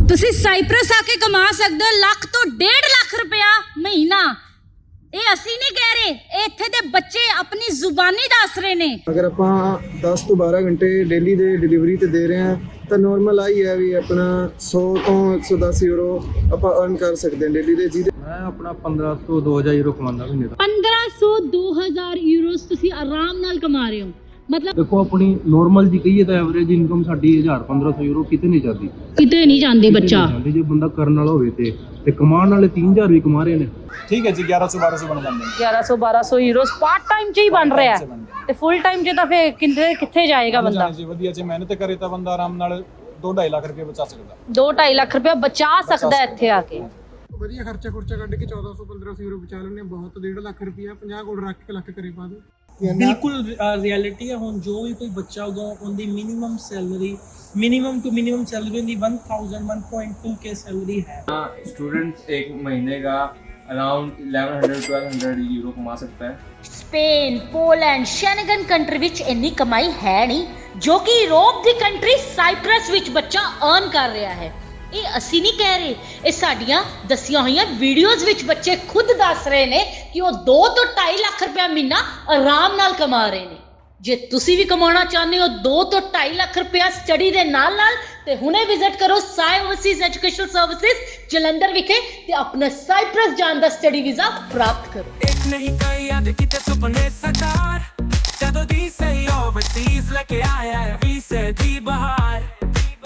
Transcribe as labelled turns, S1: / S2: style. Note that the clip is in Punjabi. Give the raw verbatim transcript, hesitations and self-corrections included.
S1: ਤੁਸੀਂ ਸਾਈਪ੍ਰਸ ਆ ਕੇ ਕਮਾ ਸਕਦੇ ਹੋ ਲੱਖ ਤੋਂ ਡੇਢ ਲੱਖ ਰੁਪਇਆ ਮਹੀਨਾ। ਇਹ ਅਸੀਂ ਨਹੀਂ ਕਹਿ ਰਹੇ, ਇਹ ਇੱਥੇ ਦੇ ਬੱਚੇ ਆਪਣੀ ਜ਼ੁਬਾਨੀ ਦੱਸ ਰਹੇ ਨੇ।
S2: ਅਗਰ ਆਪਾਂ ਦਸ ਤੋਂ ਬਾਰਾਂ ਘੰਟੇ ਡੇਲੀ ਦੇ ਡਿਲੀਵਰੀ ਤੇ ਦੇ ਰਹੇ ਹਾਂ ਤਾਂ ਨੋਰਮਲ ਆਈ ਹੈ ਵੀ ਆਪਣਾ ਸੌ ਤੋਂ ਇੱਕ ਸੌ ਦਸ ਯੂਰੋ ਆਪਾਂ ਅਰਨ ਕਰ ਸਕਦੇ ਹਾਂ ਡੇਲੀ ਦੇ। ਜਿਹਦੇ
S3: ਮੈਂ ਆਪਣਾ ਪੰਦਰਾਂ ਸੌ ਦੋ ਹਜ਼ਾਰ ਯੂਰੋ ਕਮਾਉਂਦਾ ਮਹੀਨੇ ਦਾ।
S1: ਪੰਦਰਾਂ ਸੌ ਦੋ ਹਜ਼ਾਰ ਯੂਰੋਸ ਤੁਸੀਂ ਆਰਾਮ ਨਾਲ ਕਮਾ ਰਹੇ ਹੋ। ਮਤਲਬ
S3: ਦੇਖੋ ਆਪਣੀ ਨੋਰਮਲ ਜੀ ਕਹੀਏ ਤਾਂ ਐਵਰੇਜ ਇਨਕਮ ਸਾਡੀ ਹਜ਼ਾਰ ਪੰਦਰਾਂ ਸੌ ਯੂਰੋ ਕਿਤੇ ਨਹੀਂ ਜਾਂਦੀ,
S1: ਕਿਤੇ ਨਹੀਂ ਜਾਂਦੀ ਬੱਚਾ।
S3: ਜੇ ਬੰਦਾ ਕਰਨ ਵਾਲਾ ਹੋਵੇ ਤੇ ਤੇ ਕਮਾਉਣ ਵਾਲੇ ਤਿੰਨ ਹਜ਼ਾਰ ਵੀ ਕਮਾ ਰਹੇ ਨੇ।
S4: ਠੀਕ ਹੈ ਜੀ, ਗਿਆਰਾਂ ਸੌ ਬਾਰਾਂ ਸੌ ਬਣ ਜਾਂਦੇ ਨੇ।
S5: ਗਿਆਰਾਂ ਸੌ ਬਾਰਾਂ ਸੌ ਯੂਰੋਸ ਪਾਰਟ ਟਾਈਮ 'ਚ ਹੀ ਬਣ ਰਿਹਾ ਤੇ ਫੁੱਲ ਟਾਈਮ 'ਚ ਤਾਂ ਫੇਰ ਕਿੰਨੇ ਕਿੱਥੇ ਜਾਏਗਾ ਬੰਦਾ।
S4: ਜੀ ਵਧੀਆ ਜੇ ਮਿਹਨਤ ਕਰੇ ਤਾਂ ਬੰਦਾ ਆਰਾਮ ਨਾਲ ਦੋ ਢਾਈ ਲੱਖ ਰੁਪਏ ਬਚਾ ਸਕਦਾ।
S5: ਦੋ ਢਾਈ ਲੱਖ ਰੁਪਇਆ ਬਚਾ ਸਕਦਾ ਇੱਥੇ ਆ ਕੇ।
S2: ਵਧੀਆ ਖਰਚਾ ਖੁਰਚਾ ਕੱਢ ਕੇ ਚੌਦਾਂ ਸੌ ਪੰਦਰਾਂ ਸੌ ਯੂਰੋ ਬਚਾ ਲੈਣੇ ਬਹੁਤ। ਡੇਢ ਲੱਖ ਰੁਪਇਆ ਪੰਜਾਹ ਕੋਲ ਰੱਖ ਕੇ ਲੱਖ ਕਰੇ ਪਾ ਦੋ।
S6: ਬਿਲਕੁਲ ਰਿਐਲਿਟੀ ਹੈ। ਹੁਣ ਜੋ ਵੀ ਕੋਈ ਬੱਚਾ ਹੋਗਾ ਉਹਦੀ minimum salary minimum two minimum salary उनकी one thousand one point two K salary है।
S7: स्टूडेंट एक महीने का around eleven hundred twelve hundred euro कमा सकता है।
S1: स्पेन पोलैंड शेनेगन कंट्री विच इन्नी कमाई है नहीं जो कि यूरोप दी कंट्री साइप्रस विच बच्चा अर्न कर रहा है। ਇਹ ਅਸੀਂ ਨਹੀਂ ਕਹਿ ਰਹੇ, ਇਹ ਸਾਡੀਆਂ ਦੱਸੀਆਂ ਹੋਈਆਂ ਵੀਡੀਓਜ਼ ਵਿੱਚ ਬੱਚੇ ਖੁਦ ਦੱਸ ਰਹੇ ਨੇ ਕਿ ਉਹ ਦੋ ਤੋਂ ਢਾਈ ਲੱਖ ਰੁਪਇਆ ਮਹੀਨਾ ਆਰਾਮ ਨਾਲ ਕਮਾ ਰਹੇ ਨੇ। ਜੇ ਤੁਸੀਂ ਵੀ ਕਮਾਉਣਾ ਚਾਹੁੰਦੇ ਹੋ ਦੋ ਤੋਂ ਢਾਈ ਲੱਖ ਰੁਪਇਆ ਸਟੱਡੀ ਦੇ ਨਾਲ ਨਾਲ ਤੇ ਹੁਣੇ ਵਿਜ਼ਿਟ ਕਰੋ Sai overseas educational services Jalandhar ਵਿਖੇ ਤੇ ਆਪਣਾ ਸਾਈਪ੍ਰਸ ਜਾਣ ਦਾ ਸਟੱਡੀ ਵੀਜ਼ਾ ਪ੍ਰਾਪਤ ਕਰੋ।
S8: ਇੱਕ ਨਹੀਂ ਕਈ ਆਦੇ ਕਿਤੇ ਸੁਪਨੇ ਸਾਕਾਰ ਜਦੋਂ ਦੀ ਸਹੀ ਓਵਰਸੀਜ਼ ਲੈ ਕੇ ਆਇਆ ਹੈ ਵੀਜ਼ੇ ਦੀ ਬਹਾਰ।